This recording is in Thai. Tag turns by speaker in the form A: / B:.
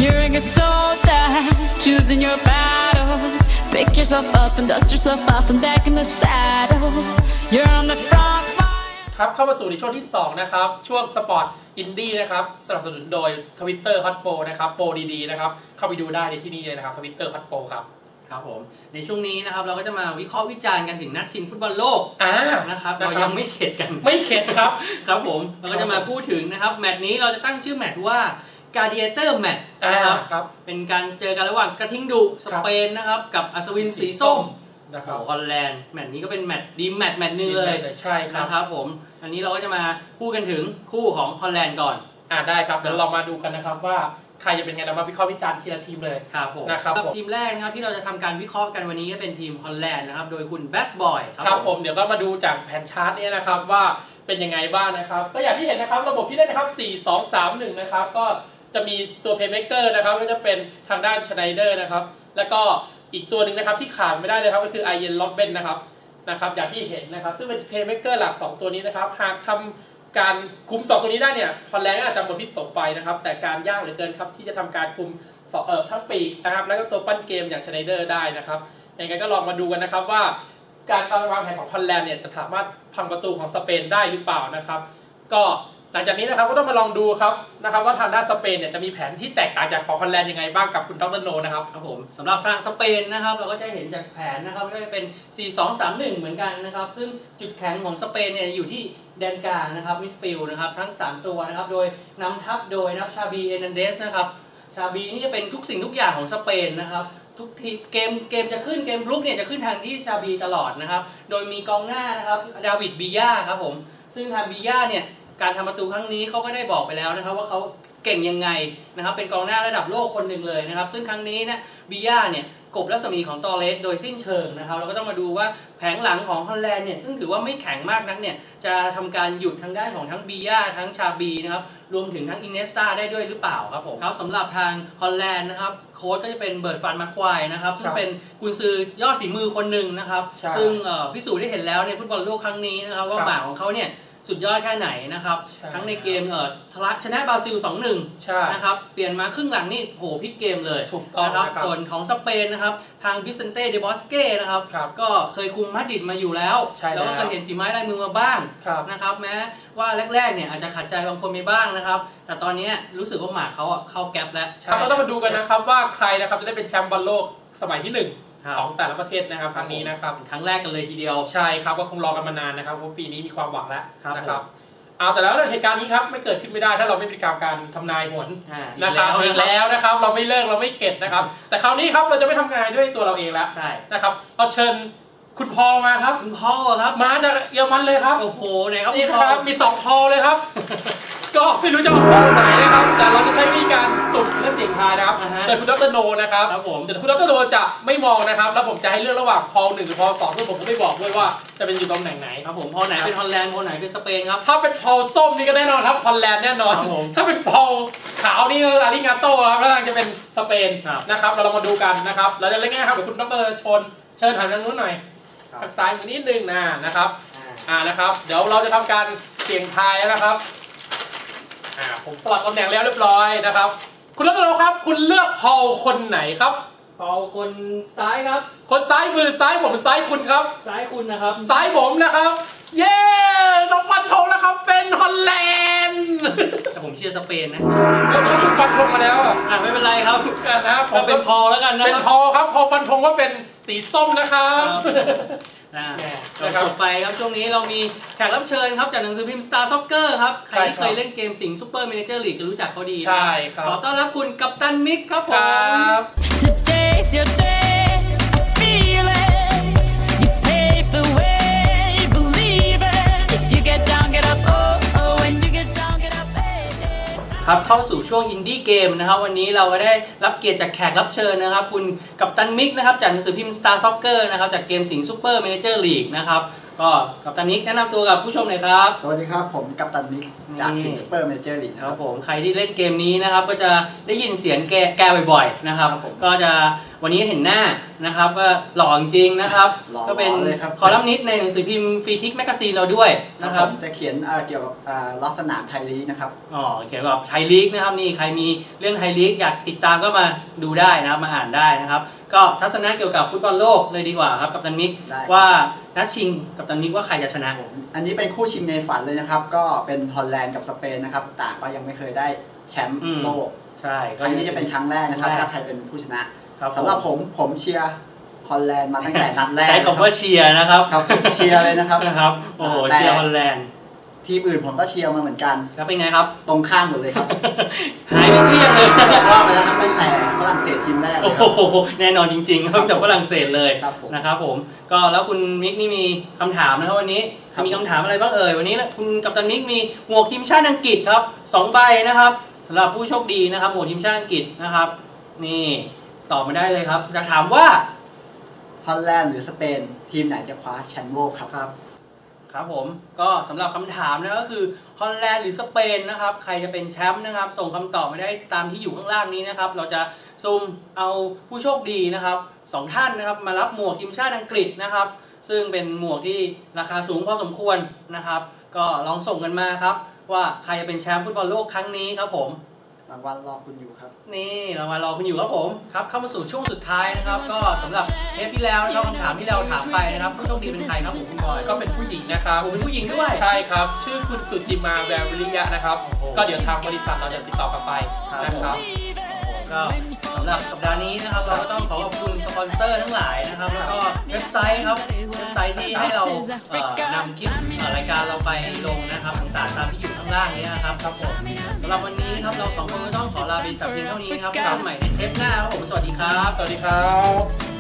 A: You're a good soldier, choosing your battle. Pick yourself up and dust yourself off and back in the saddle. You're on the front line.
B: ครับเข้ามาสู่ในช่วงที่2นะครับช่วงสปอร์ตอินดี้นะครับสนับสนุนโดย Twitter Hot Pro นะครับโปรดีๆนะครับเข้าไปดูได้ในที่นี่เลยนะครับ Twitter Hot Pro ครับ
C: ครับผมในช่วงนี้นะครับเราก็จะมาวิเคราะห์วิจารณ์กันถึงนัดชิงฟุตบอลโลกนะครับเรายังไม่เข็ดกัน
B: ไม่เข็ดครับ
C: ครับผมเราก็จะมาพูดถึงนะครับแมตช์นี้เราจะตั้งชื่อแมตช์ว่า Gladiator Match นะครับเป็นการเจอกันระหว่างกระทิงดุสเปนนะครับกับอัศวินสีส้ม
B: นะครับ
C: ฮอลแลนด์แมตช์นี้ก็เป็นแมตช์ดีแมตช์นึงเลย
B: ใช่ครับ
C: นะครับผมอันนี้เราก็จะมาพูดกันถึงคู่ของฮอลแลนด์ก่อน
B: ได้ครับเดี๋ยวเรามาดูกันนะครับว่าใครจะเป็นไงเรามาวิเคราะห์วิจารณ์ทีละทีมเลย
C: ครับผมนะครับทีมแรกนะครับที่เราจะทำการวิเคราะห์กันวันนี้ก็เป็นทีมฮอลแลนด์นะครับโดยคุณแบสบอย
B: ครับผมเดี๋ยวก็มาดูจากแผนชาร์ตนี้นะครับว่าเป็นยังไงบ้างนะครับก็อย่างที่เห็นนะครับระบบที่เล่นนะครับ4-2-3-1นะครับก็จะมีตัวเพลย์เมคเกอร์นะครับก็จะเป็นทางด้านชไนเดอร์นะครับแล้วก็อีกตัวหนึ่งนะครับที่ขาดไม่ได้เลยครับก็คือไอเยนล็อบเบนนะครับอย่างที่เห็นนะครับซึ่งเป็นเพลย์เมคเกอร์หลัก2ตัวนี้นะครับหากทำการคุม2ตัวนี้ได้เนี่ยฮอลแลนด์อาจจะหมดพิษสงไปนะครับแต่การยากเหลือเกินครับที่จะทำการคุมทั้งปีกนะครับแล้วก็ตัวปั้นเกมอย่างชไนเดอร์ได้นะครับยังไงก็ลองมาดูกันนะครับว่าการวางแผนของฮอลแลนด์เนี่ยจะสามารถพังประตูของสเปนได้หรือเปล่านะครับก็หลังจากนี้นะครับก็ต้องมาลองดูครับนะครับว่าทางด้านสเปนเนี่ยจะมีแผนที่แตกต่างจากของฮอลแลนด์ยังไงบ้างกับคุณดร.โนนะครับ
C: ครับผมสำหรับทางสเปนนะครับเราก็จะเห็นจากแผนนะครับก็จะเป็น 4-2-3-1 เหมือนกันนะครับซึ่งจุดแข็งของสเปนเนี่ยอยู่ที่แดนกลางนะครับมิดฟิลด์นะครับทั้ง3ตัวนะครับโดยนำทัพโดยชาบีเอนันเดสนะครับชาบีนี่จะเป็นทุกสิ่งทุกอย่างของสเปนนะครับทุกทีเกมจะขึ้นเกมลุกเนี่ยจะขึ้นทางที่ชาบีตลอดนะครับโดยมีกองหน้านะครับดาวิดบีย่าครับผมซึ่งทางบีย่าเนี่ยการทำประตูครั้งนี้เขาก็ได้บอกไปแล้วนะครับว่าเขาเก่งยังไงนะครับเป็นกองหน้าระดับโลกคนหนึ่งเลยนะครับซึ่งครั้งนี้นะบีย่าเนี่ยกบรัศมีของตอเรสโดยสิ้นเชิงนะครับเราก็ต้องมาดูว่าแผงหลังของฮอลแลนด์เนี่ยซึ่งถือว่าไม่แข็งมากนักเนี่ยจะทำการหยุดทางด้านของทั้งบีย่าทั้งชาบีนะครับรวมถึงทั้งอินเนสตาได้ด้วยหรือเปล่าครับผมครับสำหรับทางฮอลแลนด์นะครับโค้ชก็จะเป็นเบิร์ตฟันมาควายนะครับซึ่งเป็นกุนซือยอดฝีมือคนหนึ่งนะครับซึ่งพิสูจน์ได้เห็นแล้วในฟุตบอลโลกครั้งนี้นะครับว่าหมาของเขาเนี่ยสุดยอดแค่ไหนนะครับทั้งในเกมชนะบราซิล 2-1 นะครับเปลี่ยนมาครึ่งหลังนี่โหพลิกเกมเลยนะครับส่วนของสเปนนะครับทางบิสเซนเต้เดบอสเก้นะครับก็เคยคุมมาดริดมาอยู่แล้วแล้วก็เคยเห็นฝีไม้ลายมือมาบ้างนะครับแม้ว่าแรกๆเนี่ยอาจจะขัดใจบางคนไปบ้างนะครับแต่ตอนนี้รู้สึกว่าหมากเขาเข้าแก๊ปแล้ว
B: เราต้องมาดูกันนะครับว่าใครนะครับจะได้เป็นแชมป์บอลโลกสมัยที่1ของแต่ละประเทศนะครับครั้งนี้นะครับ
C: ครั้งแรกกันเลยทีเดียว
B: ใช่ครับก็คงรอกันมานานนะครับเพราะปีนี้มีความหวังแล้วนะครับแต่แล้วเหตุการณ์นี้ครับไม่เกิดขึ้นไม่ได้ถ้าเราไม่มีการทำนายผลนะครับอีกแล้วนะครับเราไม่เลิกเราไม่เข็ดนะครับแต่คราวนี้ครับเราจะไม่ทำนายด้วยตัวเราเองแล้วนะครับเราเชิญคุณพอมาครับ
C: คุณพอครับ
B: มาจากเยอรมันเลยครับ
C: โอ้โหไหนครับ
B: นี่ครับมี2พอเลยครับก็ไม่รู้จะออกพอไหนนะครับแต่เราจะใช้วิธีการสุ่มและเสี่ยงทายนะครับโดยคุณดร.โนนะครับแต่คุณดร.โนจะไม่มองนะครับแล้วผมจะให้เลือกระหว่างพอ1หรือพอ2ซึ่งผมก็ไม่บอกด้วยว่าจะเป็นอยู่ตำแหน่งไหน
C: ครับผมพอไหนเป็นฮอลแลนด์พอไหนเป็นสเปนครับ
B: ถ้าเป็นพอส้มนี่ก็แน่นอนครับฮอลแลนด์แน่นอนถ้าเป็นพอขาวนี่อาริงาโต้ครับแล้วจะเป็นสเปนนะครับเรามาดูกันนะครับเราจะเล่นง่ายครับเดี๋ยวคุณดร.ชนเชิญหันทางนู้นหน่อยทางซ้ายมือนิดนึงนะครับนะครับเดี๋ยวเราจะทำการเสี่ยงทายแล้วนะครับผมสลับตำแหน่งแล้วเรียบร้อยนะครับคุณดร.ครับคุณเลือกพอลคนไหนครับ
C: พอลคนซ้ายครับ
B: คนซ้ายมือซ้ายผมซ้ายคุณครับ
C: ซ้ายคุณนะครับ
B: ซ้ายผมนะครับเย้เราฟันธงแล้วครับเป็นฮอลแลนด์
C: แต่ผมเชียร์สเปนนะ
B: คุณฟันธงมาแล้ว
C: ไม่เป็นไรครับ
B: นะครับ
C: ผมเป็นพอลแล้วกันนะ
B: เป็นพอลครับพอฟันธงว่าเป็นสีส้มนะครับ
C: ต่อไปครับช่วงนี้เรามีแขกรับเชิญครับจากหนังสือพิมพ์ Star Soccer ครับใครที่เคยเล่นเกมสิงห์ซูเปอร์เมเนเจอร์ลีกจะรู้จักเขาดี
B: ใช่ครับ
C: ขอต้อนรับคุณกัปตันมิกครับผม
A: Today's your day, I feel it. You pave the way, believe it. If you get down, get up, oh, oh. When you get down, get up, baby.
C: ครับเข้าสู่ช่วงอินดี้เกมนะครับวันนี้เราก็ได้รับเกียรติจากแขกรับเชิญนะครับคุณกัปตันมิกนะครับจากหนังสือพิมพ์ Star Soccer นะครับจากเกมสิงห์ซูเปอร์เมเนเจอร์ลีกนะครับก็กัปตันนิกแนะนำตัวกับผู้ชมหน่อยครับ
D: สวัสดีครับ ผมกัปตันนิกจาก
C: นี่
D: สิงห์ซูเปอร์เมเจอร์ลีก
C: ครับผมใครที่เล่นเกมนี้นะครับก็จะได้ยินเสียงแกบ่อยๆนะครับ
D: ครับผม
C: ก็จะวันนี้เห็นหน้านะครับก็หล่อจริงๆนะครับ
D: หล่อ
C: ก็เป็น
D: เลยครับ
C: คอลัมนิสต์ในหนังสือพิมพ์ฟรีคิกแมกกาซีนเราด้วย
D: นะ
C: นะ
D: ค
C: ค
D: รั
C: รั
D: บบ จะเขียนเกี่ยวกับลักษณะไทยลีกนะครับ
C: อ๋อเกี่ยวกับไทยลีกนะครับนี่ใครมีเรื่องไทยลีกอยากติดตามก็มาดูได้นะครับมาอ่านได้นะครับ ก็ทัศนะเกี่ยวกับฟุตบอลโลกเลยดีกว่าครับกัปตันนิก
D: ได้ครับ
C: ว่านัดชิงกัปตันนิกว่าใครจะชนะ
D: อันนี้เป็นคู่ชิงในฝันเลยนะครับ ก็เป็นฮอลแลนด์กับสเปนนะครับต่างก็ยังไม่เคยได้แชมป์โลก
C: ใช่
D: อันนี้จะเป็นครั้งแรกนะครับถ้าใครเป็นผู้ชนะครับ สำหรับผมเชียร์ฮอลแลนด์มาตั้งแต่นัดแรก
C: ใช้คำว่าเชียร์นะครับ
D: ครับเชียร์เลยนะครับ
C: นะครับโอ้โห
D: แต่
C: เชียร์ฮอลแลนด์
D: ทีมอื่นผมก็เชียร์มาเหมือนกัน
C: แล้วเป็นไงครับ
D: ตรงข้ามหมดเลยครับ
C: หายไปเกลี้ยงเลย
D: ว่าไปแล้วครับตั้งแต่ฝรั่งเศสทีมแรกเล
C: โอ้
D: ยครับ
C: โหแน่นอนจริงๆครับจากฝรั่งเศสเลย
D: ครับผม
C: นะครับผมก็แล้วคุณมิกนี่มีคำถามนะครับวันนี้
D: ครับ
C: มีคำถามอะไรบ้างเอ่ยวันนี้นะคุณกัปตันมิกมีหมวกทีมชาติอังกฤษครับ2 ใบนะครับสำหรับผู้โชคดีนะครับหมวกทีมชาติอังกฤษนะครับ นี่ตอบมาได้เลยครับจะถามว่า
D: ฮอลแลนด์หรือสเปนทีมไหนจะคว้าแชมป์โลกครับ
C: ครับผมก็สำหรับคำถามนะก็คือฮอลแลนด์หรือสเปนนะครับใครจะเป็นแชมป์นะครับส่งคำตอบมาได้ตามที่อยู่ข้างล่างนี้นะครับเราจะซูมเอาผู้โชคดีนะครับ2 ท่านนะครับมารับหมวกทีมชาติอังกฤษนะครับซึ่งเป็นหมวกที่ราคาสูงพอสมควรนะครับก็ลองส่งกันมาครับว่าใครจะเป็นแชมป์ฟุตบอลโลกครั้งนี้ครับผม
D: รางวัลรอคุณอยู่ครับ
C: นี่เรามารอคุณอยู่ครับผมครับเข้ามาสู่ช่วงสุดท้ายนะครับก็สำหรับเทปที่แล้วนะครับคำถามที่เราถามไปนะครับผู้โชคดีเป็นใครครับผมคุณบอย
B: ก็เป็นผู้หญิงนะครับ
C: ผมเป็นผู้หญิงด้วย
B: ใช่ครับ ชื่อคุณสุจิมาแวววิริยะนะครับ ก็เดี๋ยวทางบริษัทเราจะติดต่อกลับไปนะครับ
C: ก็สำหรับสัปดาห์นี้นะครับเราก็ต้องขอขอบคุณสปอนเซอร์ทั้งหลายนะครับแล้วก็เว็บไซต์ครับเว็บไซต์ที่ให้เรานำคลิปรายการเราไปลงนะครับต่างๆตามที่อยู่ข้างล่างนี้นะครับครับผมสำหรับวันนี้ครับเรา2 คนก็ต้องขอลาไปแต่เพียงเท่านี้นะครับพบกันใหม่ในเทปหน้าครับผมสวัสดีครับ
B: สวัสดีครับ